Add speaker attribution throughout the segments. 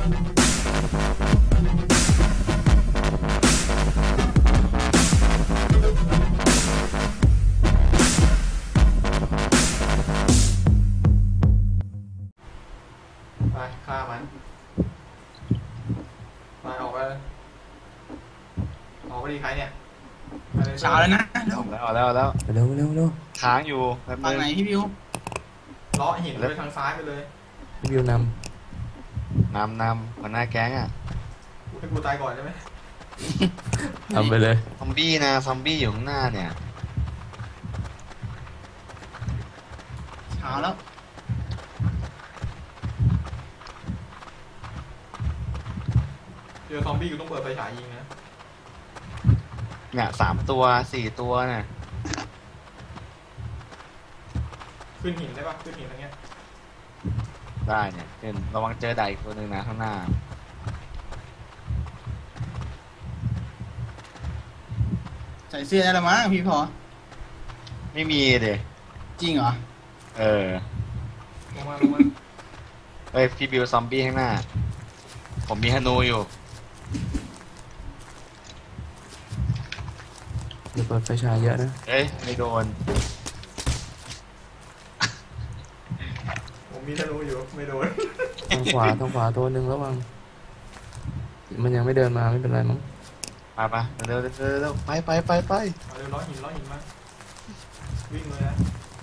Speaker 1: ไปฆ่ามันไปออกไปเลยออกไปดีใครเนี่ย
Speaker 2: เช้าแล้วนะเร็ว
Speaker 3: แล้วเร็ว
Speaker 4: เร็ว
Speaker 3: ค้างอยู่แบบ
Speaker 2: ฝั่งไหนพี่บิว
Speaker 1: เลาะหินไปทางซ้ายไปเลย
Speaker 4: พี่วิวน
Speaker 3: นำหัวหน้าแก๊งอ่ะ
Speaker 1: ให้กูตายก่อนใช่ไหม
Speaker 4: ำทำไปเลย
Speaker 3: ซอมบี้นะซอมบี้อยู่ข้างหน้าเนี่ย
Speaker 2: เช้าแล้ว
Speaker 1: เจอซอมบี้กูต้องเปิดไฟฉายยิงนะ
Speaker 3: เนี่ย3 ตัว 4 ตัวเนี่ย
Speaker 1: ขึ้นหินได้ปะขึ้นหินอะไรเงี้ย
Speaker 3: ได้เนี่ยเห็นระวังเจอไดอีกตัวหนึ่งนะข้างหน้า
Speaker 2: ใส่เสื้อได้แล้วมั้งพี่พอ
Speaker 3: ไม่มีเดย
Speaker 2: จริงเหรอ
Speaker 3: เออ
Speaker 1: ลงมา
Speaker 3: เฮ้ยพี่บิวซอมบี้ข้างหน้า ผมมีฮนูอยู่
Speaker 4: เดี๋ยวเปิดไฟฉายเยอะนะ
Speaker 3: เอ้ยไม่โดน
Speaker 1: ผมมีธนูอยู่ไม่โดน
Speaker 4: ทางขวาตัวหนึ่งระวังมันยังไม่เดินมาไม่เป็นไรมั้ง
Speaker 3: ไปเร็วไป
Speaker 1: เอาเร็วเลาะหินมาวิ่งเลยนะ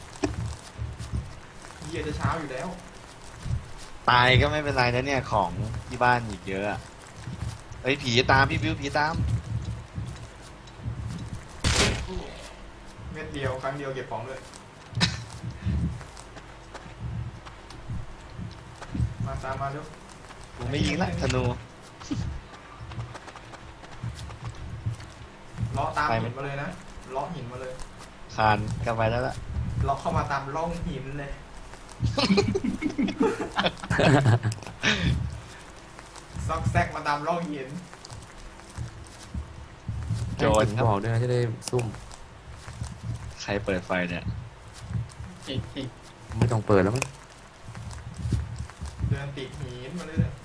Speaker 1: เหี้ยจะเช้าอยู่แล้ว
Speaker 3: ตายก็ไม่เป็นไรนะเนี่ยของที่บ้านอีกเยอะอะเฮ้ยผีตามพี่บิวผีตาม
Speaker 1: เม็ดเดียวครั้งเดียวเก็บของด้วยมาตามมาเร็ว
Speaker 3: ผมไม่ยิงละธนู
Speaker 1: เลาะตามหินมาเลยนะเลาะหินมาเลย
Speaker 3: คานกันไปแล้วล่ะ
Speaker 1: เลาะเข้ามาตามร่องหินเลย ซอกแซกมาตามร่องหิน
Speaker 3: โจร
Speaker 4: ถึง
Speaker 3: ครับ
Speaker 4: บอกด้วยนะจะได้ซุ่ม
Speaker 3: ใครเปิดไฟเนี่ย
Speaker 2: เอก
Speaker 4: ไม่ต้องเปิดแล้วมั้ง
Speaker 1: เดินติดหินมาเรื่อย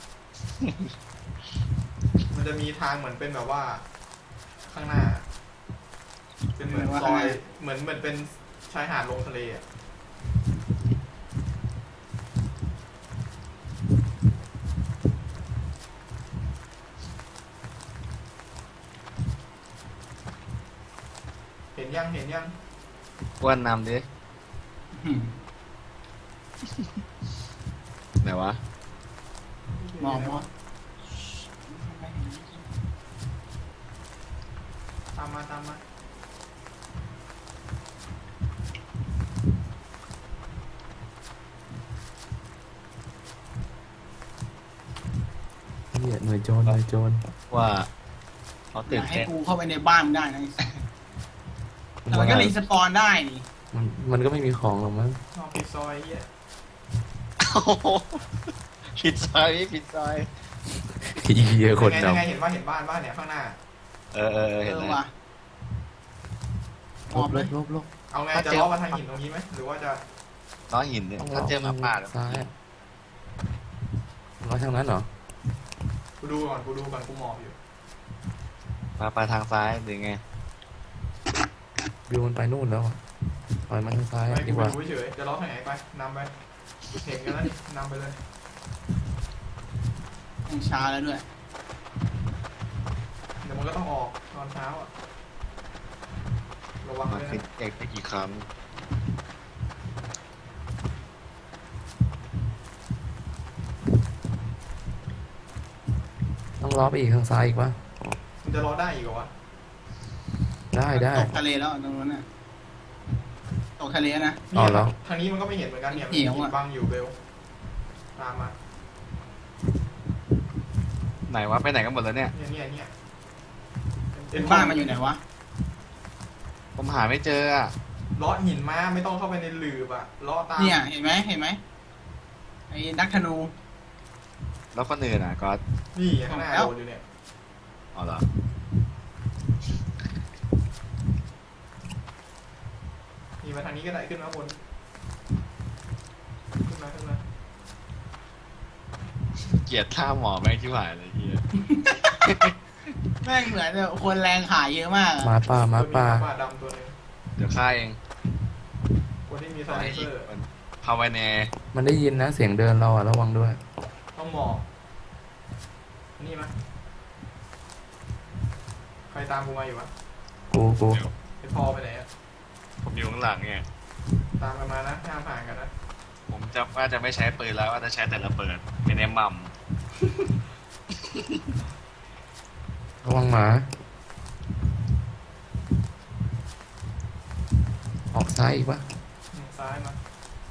Speaker 1: ๆมันจะมีทางเหมือนเป็นแบบว่าข้างหน้า เป็นเหมือนซอยเหมือนเป็นชายหาดลงทะเลอ่ะเห็นยัง
Speaker 3: อ้วนนำดิ
Speaker 2: อืม
Speaker 3: ไหนวะ
Speaker 2: มอง
Speaker 1: ตามมา
Speaker 4: เนี่ยหน่วยโจร
Speaker 3: ว่าเขา
Speaker 2: อ
Speaker 3: ตื่น
Speaker 2: ย่าให้
Speaker 3: เต้น
Speaker 2: กูเข้าไปในบ้านได้นะแต่มันก็รีสปอนได้นี่
Speaker 4: มันก็ไม่มีของหรอกมั้ง
Speaker 1: นอกผิดซอยเหี้ย
Speaker 3: โอ้โหผิดซอย
Speaker 4: เยอะคน
Speaker 1: ยังไง
Speaker 4: ดำ
Speaker 1: เห็นว่าเห็นบ้านเนี่ยข้างหน้า
Speaker 3: เออเห็นแล้ว
Speaker 2: ว่ะมอบเลย
Speaker 4: ลบ
Speaker 1: เอาไงจะล้อมาทางหินตรงนี้ไหมหรือว่าจะ
Speaker 3: น้องหินเนี่ยถ้าเจอหมาป่าแล้ว
Speaker 4: ซ้ายร้อยทางนั้นเหรอ
Speaker 1: กูดูก่อนกูมองอยู่
Speaker 3: มาไปทางซ้ายหรือไง
Speaker 4: วิวมันไปนู่นแล้วปล่อยมันทางซ้าย
Speaker 1: ไม่
Speaker 4: ดี
Speaker 1: กู
Speaker 4: กว่า
Speaker 1: ดูเฉยจะล้อทางไหนไปนำไปเห็นกันแล้วนี่นำไปเลย
Speaker 2: ยังช้าแล้วด้วย
Speaker 1: เดี๋ยวมันก็ต้องออกตอนเช้าอ่ะระวัง
Speaker 3: มา
Speaker 1: เลย
Speaker 3: ฟิต
Speaker 1: นะ
Speaker 3: เอกไปกี่ครั้ง
Speaker 4: ต้องล้อไปอีกทางซ้ายอีกวะ
Speaker 1: มันจะล้อได้อีกเหรอวะ
Speaker 4: ได้
Speaker 2: ตกทะเลแล้วตรงนั้นน่ะตกทะเลนะ
Speaker 4: อ๋อเหรอ
Speaker 1: ทางนี้มันก็ไม่เห็นเหมือนกันเนี่ย
Speaker 2: เหี่ยวอะ
Speaker 1: มันบังอยู่เบลตามมา
Speaker 3: ไหนวะไปไหนกันหมดแล้วเนี่ย
Speaker 1: เนี่ย
Speaker 2: บ้านมันอยู่ไหนวะ
Speaker 3: ผมหาไม่เจออ่ะ
Speaker 1: ล้อหินมาไม่ต้องเข้าไปในหลืบอ่ะล้อตาม
Speaker 2: เนี่ยเห็นไหมไอ้นักธนู
Speaker 3: แล้วคนอื่นอ่ะก็
Speaker 1: นี่ข้างหน้า
Speaker 2: แล้ว
Speaker 1: โดนอยู่เนี่ย
Speaker 3: อ๋อเหรอ
Speaker 1: นี่มาทางนี้ก็ได้ขึ้นมาบนขึ้นมา
Speaker 3: เกลียดท่าหมอแม่งที่หายเลยเฮีย
Speaker 2: แม่งเหมือนแบบคนแรงขายเยอะมากอะ
Speaker 4: หมาป่าหมาป่า
Speaker 1: หมาดำตัวหนึง
Speaker 3: เดี๋ยวฆ่าเอง
Speaker 1: คนที่มีไซ
Speaker 3: ขอ
Speaker 1: เล
Speaker 3: ให้
Speaker 1: นเซ
Speaker 3: อีก
Speaker 1: อร์
Speaker 3: คนภาวนา
Speaker 4: มันได้ยินนะเสียงเดินเราอะระวังด้วย
Speaker 1: ต้องหมอบนี่มั้ยใครตามกูมาอยู่วะ
Speaker 4: กู
Speaker 1: ไอพอไปไหนอะ
Speaker 3: ผมอยู่ข้างหลังไง
Speaker 1: ตามกันมานะห้ามผ่านกันนะ
Speaker 3: ผมจะว่าจะไม่ใช้ปืนแล้วว่าจะใช้แต่ระเบิดเป็นไอ้มัม
Speaker 4: ระวังหมา ออกซ้ายอีกปะ
Speaker 1: ซ้ายมา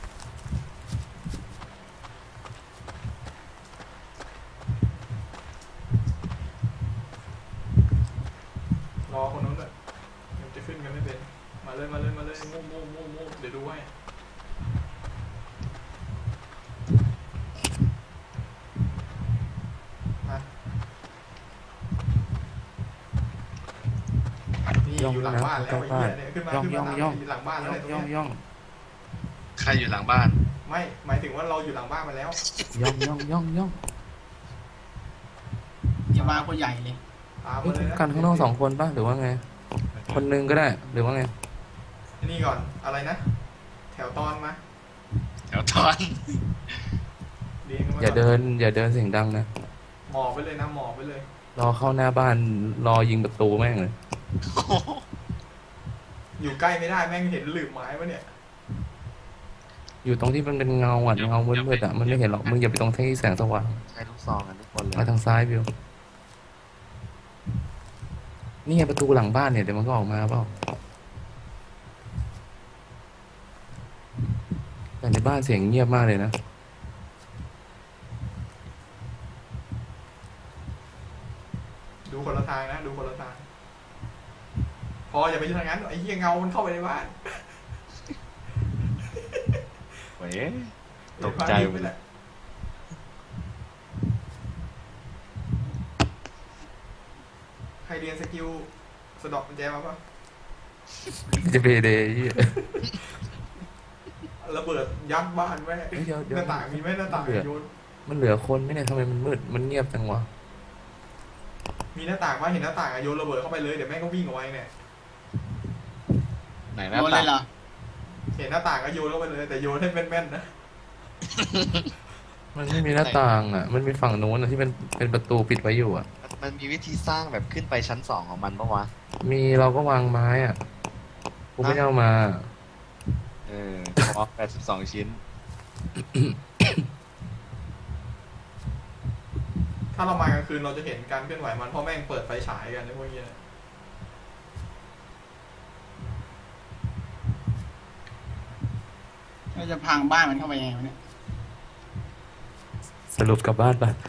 Speaker 1: รอคนนู้นเลยยังจะขึ้นกันไม่เป็น มาเลยมาเลยมาเลยมูมูมูมูเดี๋ยวดูให้มานี่อยู่หลังบ้านแล้วไอ้เหี้ยเนี่ยขึ้นมาขึ้นมาอยู่หลังบ้านแล้วเนี่ยตรง
Speaker 4: ย่อง
Speaker 1: เนี้ย
Speaker 4: ย่อง
Speaker 3: ใครอยู่หลังบ้าน
Speaker 1: ไม่หมายถึงว่าเราอยู่หลังบ้านมาแล้ว
Speaker 4: ย่องย่องย่องย่อง
Speaker 2: อย่ามาคนใหญ่เลย
Speaker 1: ตาม
Speaker 4: เฮ้
Speaker 1: มาย เลยนะ
Speaker 4: กันข้างนอก2 คนปะหรือว่าไง คนหนึงก็ได้หรือว่าไง
Speaker 1: นี่ก่อนอะไรนะ แถวตอนมา
Speaker 3: แถวตอน
Speaker 1: เรียงกันมา
Speaker 4: อย่าเดินเสียงดังนะ
Speaker 1: หมอบไปเลยนะหมอบไปเลย
Speaker 4: รอเข้าหน้าบ้านรอยิงประตูแม่งเลย
Speaker 1: อยู่ใกล้ไม่ได้แม่งเห็นหลืมไม้ปะเนี่ย
Speaker 4: อยู่ตรงที่มันเป็นเงาอ่ะเงามืดๆอ่ะมันไม่เห็นหรอกมึงอย่าไปตรงที่แสงสว่าง
Speaker 3: ใช้ลูกซองกันทุกคนเลย
Speaker 4: มาทางซ้ายบิวนี่ไงประตูหลังบ้านเนี่ยเดี๋ยวมันก็ออกมาเปล่าแต่ในบ้านเสียงเงียบมากเลยนะ
Speaker 1: ดูคนละทางนะดูคนละทาง พออย่าไปทางนั้นไอ้เหี้ยเงามันเข้าไปในบ้าน
Speaker 3: เว้ยตกใจ
Speaker 1: ไปแหละใครเรียนสกิลสะดอกกุญแจมาปะ
Speaker 4: จะไปเดย์ยี่
Speaker 1: ระเบิดยัดบ้านแม่
Speaker 4: เดี๋ยว
Speaker 1: หน้าต่างมีไหมหน้าต่างโยน
Speaker 4: มันเหลือคนไหมเนี่ยทำไมมันมืดมันเงียบจังวะ
Speaker 1: มีหน้าต่างว่าเห็นหน้าต่างอะโยนระเบิดเข้าไปเลยเดี๋ยวแม่งก็วิ่งออกไปเนี่ย
Speaker 3: ไหนห
Speaker 2: โด
Speaker 3: น้าน
Speaker 2: เล
Speaker 3: ต่าย ง
Speaker 2: เหรอ
Speaker 1: เห็นหน้าต่างก็โยนเข้าไปเลยแต่โยนให้แม่นๆนะ
Speaker 4: มันไม่มีหน้าต่างอ่ะ มันมีฝั่งนู้นอะที่เป็นประตูปิดไว้อยู่อ่ะ
Speaker 3: มันมีวิธีสร้างแบบขึ้นไปชั้น2ของมันปะวะ
Speaker 4: มีเราก็วางไม้อ่ะกูไม่ได้เอามา
Speaker 3: พอ82 ชิ้น
Speaker 1: ถ้าเรามากลางคืนเราจะเห็นการเคลื่อนไหวมันเพราะแม่งเปิดไฟฉายกันในพวกนี้นะ
Speaker 2: เราจะพังบ้านมันเข้าไปยังไงวะเนี่ย
Speaker 4: สรุปกลับบ้านปะ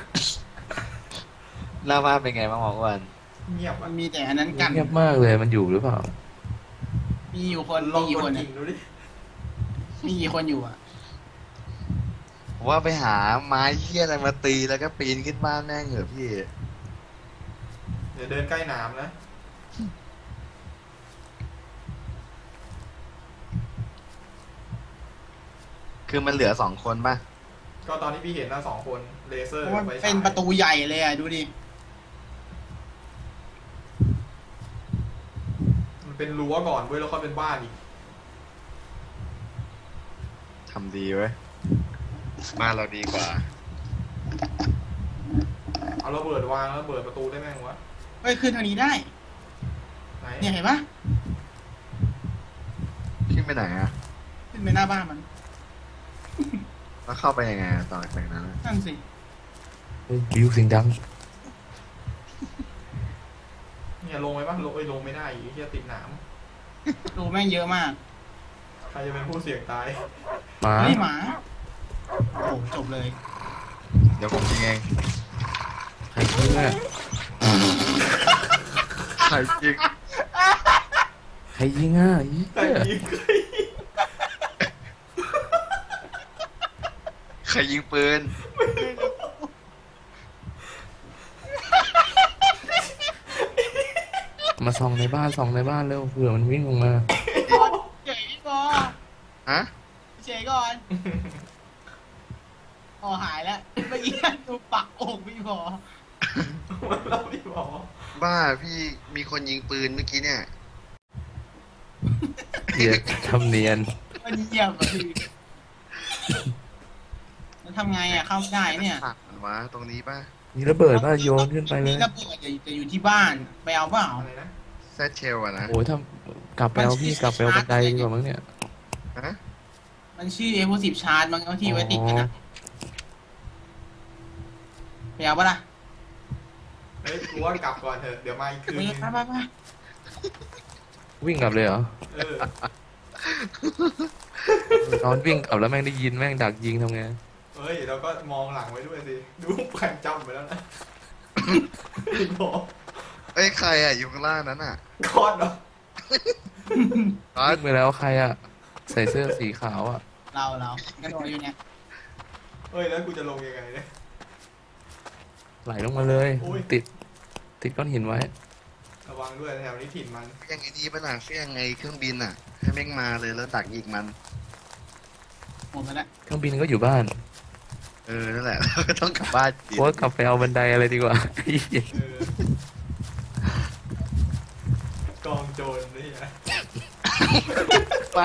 Speaker 3: หน้าบ้านเป็นไงบ้างหมออ้วน
Speaker 1: เงียบ
Speaker 2: มั
Speaker 1: อะ
Speaker 2: นมีแต่อันนั้นกัน
Speaker 4: เงียบมากเลยมันอยู่หรือเปล่า
Speaker 2: มีอยู่คน
Speaker 1: ล
Speaker 2: มี
Speaker 1: อง
Speaker 2: กี่
Speaker 1: ก
Speaker 2: ค
Speaker 1: ด
Speaker 2: น
Speaker 1: กิ่
Speaker 2: อะ
Speaker 1: งดูดิ
Speaker 2: มีกี่คนอยู่อ่ะ
Speaker 3: ผมว่าไปหาไม้เหี้ยอะไรมาตีแล้วก็ปีนขึ้นบ้านแม่งเหรอะพี่
Speaker 1: เดี๋ยวเดินใกล้น้ำนะ
Speaker 3: คือมันเหลือ2 คนป่ะ
Speaker 1: ก็ตอนที่พี่เห็นนะ2 คนเลเซอร์
Speaker 2: เพราะว่า
Speaker 1: ไฟฉาย
Speaker 2: เป็นประตูใหญ่เลยอ่ะดูดิ
Speaker 1: มันเป็นรั้วก่อนเว้ยแล้วค่อยเป็นบ้านอีก
Speaker 3: ทำดีเว้ยบ้านเราดีกว่า
Speaker 1: เอาระเบิดวางแล้วเปิดประตูได้แม่งวะ
Speaker 2: เฮ้ยขึ้นทางนี้ได้
Speaker 1: ไหน
Speaker 2: เนี่ยเห็นปะ
Speaker 3: ขึ้นไปไหนอะ
Speaker 2: ขึ้นไปหน้าบ้านมัน
Speaker 3: แล้วเข้าไปยังไงอะต่อจากนั้นอะ
Speaker 2: นั่นสิ
Speaker 4: เฮ้ยบิวเสียงดัง
Speaker 1: เนี่ยลงไปปะลงลงไม่ได้อีกที่ติดหนาม
Speaker 2: รูแม่งเยอะมาก
Speaker 1: ใครจะเป็นผู้เสี่ยงตาย
Speaker 4: หมา
Speaker 2: เฮ้ยหมาโอ้จบเลย
Speaker 3: เดี๋ยวผมยิงเอง
Speaker 4: ใครยิงอ่ะ
Speaker 3: ใครยิง
Speaker 4: ใครยิงอ่ะ
Speaker 1: ใครยิง
Speaker 3: ใครยิงปืน
Speaker 4: มาส่องในบ้านเร็วเผื่อมันวิ่งออกมา
Speaker 2: เฉยก่อน
Speaker 3: ฮะ
Speaker 2: เฉยก่อนพอหายแล้วเมื่อกี้ดูปักอกพี่พอ
Speaker 1: เราไม่บอก
Speaker 3: บ้าพี่มีคนยิงปืนเมื่อกี้เนี่ย
Speaker 4: เหี้ยทำเนียน
Speaker 2: มันเยี่ยมอ่ะพี่แล้วทำไงอ่ะเข้าไม่ได้เนี่ย
Speaker 3: หักมันวะตรงนี้ป่ะ
Speaker 4: มีระเบิดป่ะโยนขึ้นไปเลย
Speaker 2: มีระเบิดจะอยู่ที่บ้านไปเอาเปล่า
Speaker 1: อะไรนะ
Speaker 3: แซดเชลอะนะ
Speaker 4: โอ้ยถ้ากลับไปเอาพี่กลับไปเอาบันไดดีกว่ามั้งเนี่ย
Speaker 3: ฮะ
Speaker 2: มันชื่อ Explosive Charge มันเอาที่ไว้ติดกันนะไปเอาปะล่ะ
Speaker 1: เฮ้ยกูว่ากลับก่อนเถอะเดี๋ยวมาอีกคืน
Speaker 2: ไป
Speaker 1: นึง
Speaker 2: ไป
Speaker 4: วิ่งกลับเลยเหรอ
Speaker 1: เออ
Speaker 4: นอนวิ่งกลับแล้วแม่งได้ยินแม่งดักยิงทำไง
Speaker 1: เฮ้ยเราก็มองหลังไว้ด้วยสิดูแผนจำไปแล้วนะพี่บอก
Speaker 3: เอ้ยใครอะอยู่ข้างล่างนั้นอะ
Speaker 1: คอดเหรอ
Speaker 3: อ๋อ
Speaker 4: วิ่งไปแล้วใครอะใส่เสื้อสีขาวอะ
Speaker 2: เรากระโดดอยู่เนี่ย
Speaker 1: เฮ้ยแล้วกูจะลงยังไงเนี่ย
Speaker 4: ไหลลงมาเลย
Speaker 1: โอ้ย
Speaker 4: ติดก้อนหินไว้
Speaker 1: ระวังด้วยแถวนี้ถิ่นมัน
Speaker 3: เฟี้ยงไอ้นี่ป่ะน่ะเฟี้ยงไงเครื่องบินอะให้แม่งมาเลยแล้วดักยิงมัน
Speaker 2: หมดไปแล้ว
Speaker 4: เครื่องบินก็อยู่บ้าน
Speaker 3: นั่นแหละ เราก็ต้องกลับบ้านกิน
Speaker 4: โอ้ยกลับไปเอาบันไดอะไรดีกว่า
Speaker 1: เออกองโจรนี่นะ
Speaker 3: ป่ะ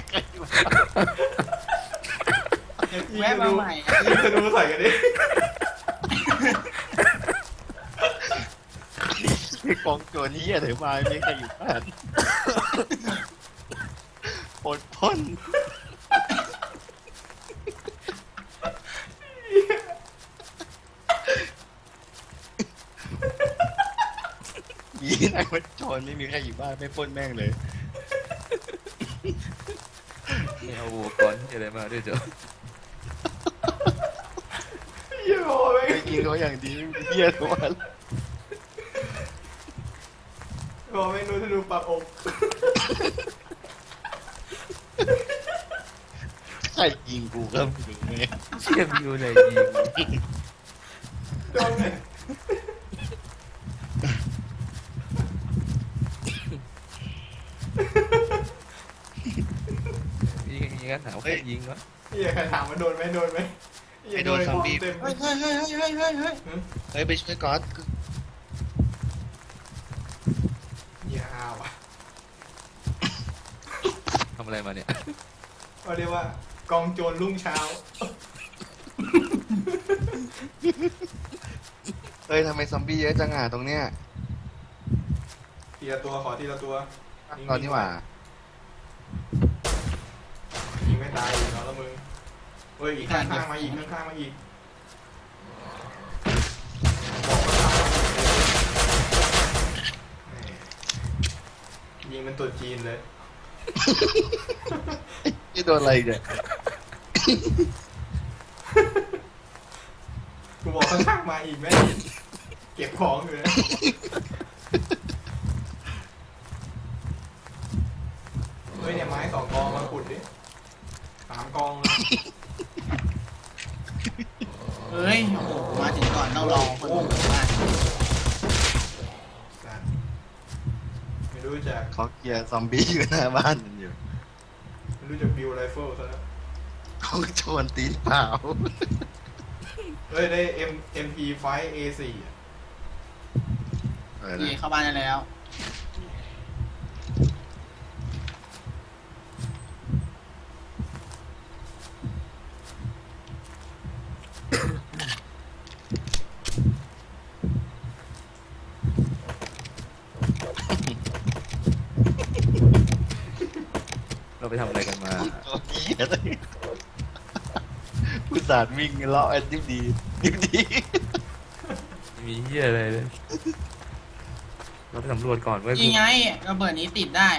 Speaker 2: แวะมาใหม่อ่ะ
Speaker 1: ยิงธนูใส่กันดิ
Speaker 3: ไอ้กองโจรนี้อะไรมาไม่มีใครอยู่บ้านปนพ่นยีนไอ้วัดโจรไม่มีใครอยู่บ้านไม่ปล้นแม่งเลย
Speaker 4: ไม่เอาอุปกรณ์ที่อะไรมาด้วยเจ้ะ
Speaker 1: เหี้ยโอ้ย
Speaker 3: ไปกินเขาอย่างดีไม่มีเหี้ยทุกวัน
Speaker 1: บอกไม่รู้ธนูปักอก
Speaker 3: ใครยิงกูก็ไม่รู้ไง
Speaker 4: เชี่ยวิวเลยยิง
Speaker 1: โดนเลย
Speaker 4: ยิงกันถามใครยิงวะ
Speaker 1: เหี้ยใครถามว่าโดนไหมเหี้ยเต็ม
Speaker 2: เฮ้ย
Speaker 3: เฮ้ยไปช่วยก๊อต
Speaker 1: เหี้ยอ้าวอ่ะ
Speaker 4: ทำอะไรมาเนี่ย
Speaker 1: เขาเรียกว่ากองโจรรุ่งเช้า
Speaker 3: เฮ้ยทำไมซอมบี้เยอะจังอ่ะตรงเนี้ย
Speaker 1: ทีละตัวขอทีละตัว
Speaker 3: ตอนนี้หว่า
Speaker 1: ยิงไม่ตายอีกแล้วมึงเฮ้ยอีกข้างๆมาอีกข้างๆมาอีกบอกว่ายิงเป็นตัวจีนเลย
Speaker 3: นี่โดนอะไรเนี่ย
Speaker 1: กูบอกข้างๆมาอีกไหมเก็บของอยู่นะเฮ้ยเนี่ยไม้2 กองมาขุดดิ3 กองเลย
Speaker 2: เฮ้ยโอ้โหมาถึงก่อนต้องรอคนอื่นมา
Speaker 1: สัตว์ไม่รู้จัก
Speaker 3: เขาเคลียร์ซอมบี้อยู่หน้าบ้านมันอยู่
Speaker 1: ไม่รู้จักบิวไรเฟิลซะแล้ว
Speaker 3: เขาชวนตีนเปล่า
Speaker 1: เฮ้ยได้ MP5 A4 อะ
Speaker 2: นี่เข้าบ้านได้แล้ว
Speaker 4: เราไปทำอะไรกันมา
Speaker 3: ตัวนี้อะไรผู้สารวิ่งเลาะแอนดิบดีดิบดี
Speaker 4: มีเหี้ยอะไรเลย เราไปสำรวจก่อนเว้ย
Speaker 2: ยังไงระเบิดนี้ติดได้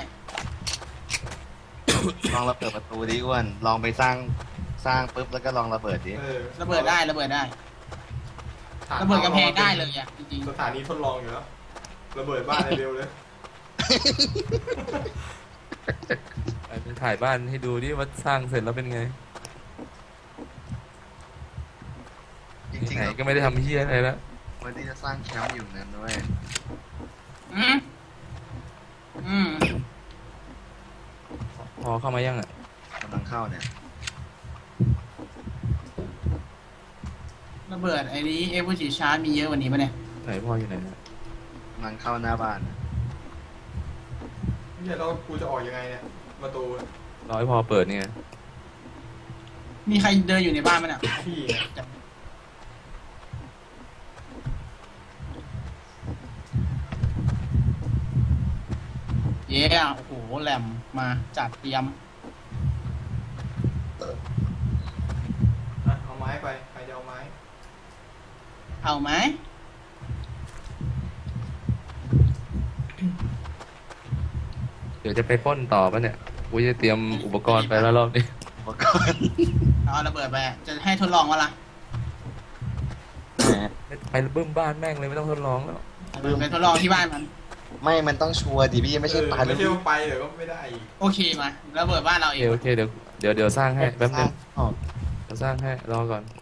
Speaker 3: ลองระเบิดประตูดิอ้วนลองไปสร้างปุ๊บแล้วก็ลองระเบิดดิ
Speaker 1: เออ
Speaker 2: ระเบิดได้ระเบิดกำแพงได้เลยอ่ะจริง
Speaker 1: สถานีทดลองอยู่แล้วระเบิดบ้านเร็วๆเลย
Speaker 4: ไปถ่ายบ้านให้ดูดิว่าสร้างเสร็จแล้วเป็นไง
Speaker 3: จริง
Speaker 4: ไหน
Speaker 3: ๆ
Speaker 4: ก็ไม่ได้ทำเหี้ยอะไรแล้ว
Speaker 3: วันที่จะสร้างแคมป์อยู่นั้นด้วย
Speaker 2: ๆอืม
Speaker 4: พอเข้ามายังอ่ะ
Speaker 3: กำลังเข้าเนี่ย
Speaker 2: ระเบิดไอ้นี้เอฟวีชาร์จมีเยอะกว่านี้ปะเนี่ย
Speaker 4: ไหนพ่ออยู่ไหนเนี่ย
Speaker 3: มันเข้าหน้าบ้าน
Speaker 1: เนี่ยเรากูจะออกยังไงเนี่ยประตู
Speaker 4: รอให้พ่อเปิดเนี่ย
Speaker 2: มีใครเดินอยู่ในบ้านปะเนี่ย
Speaker 1: พี่ไง
Speaker 2: เย้โอ้โหแหลมมาจัดเตรียม
Speaker 1: อ่ะเอาไม้ไปใครจะเอาไม้
Speaker 2: เอาไหม
Speaker 4: เดี๋ยวจะไปปล้นต่อปะเนี่ยกูจะเตรียมอุปกรณ์ไปแล้วรอบนี้
Speaker 3: อุปกรณ์
Speaker 2: เอาระเบิดไปจะให้ทดลองวะล่ะ
Speaker 4: ไปบึ้มบ้านแม่งเลยไม่ต้องทดลองแล้ว
Speaker 2: ไปทดลองที่บ้านมัน
Speaker 3: ไม่มันต้องชัวร์ดิพี่ไม่ใช่ปลา
Speaker 1: ไม่ใช่ว่าไปเดี๋ยวก็ไม่ได้อีก
Speaker 2: โอเคมาระเบิดบ้านเราเอง
Speaker 4: โอเคเดี๋ยวสร้างให้แป๊บนึง
Speaker 3: ออก
Speaker 4: เดี๋ยวสร้างให้รอก่อน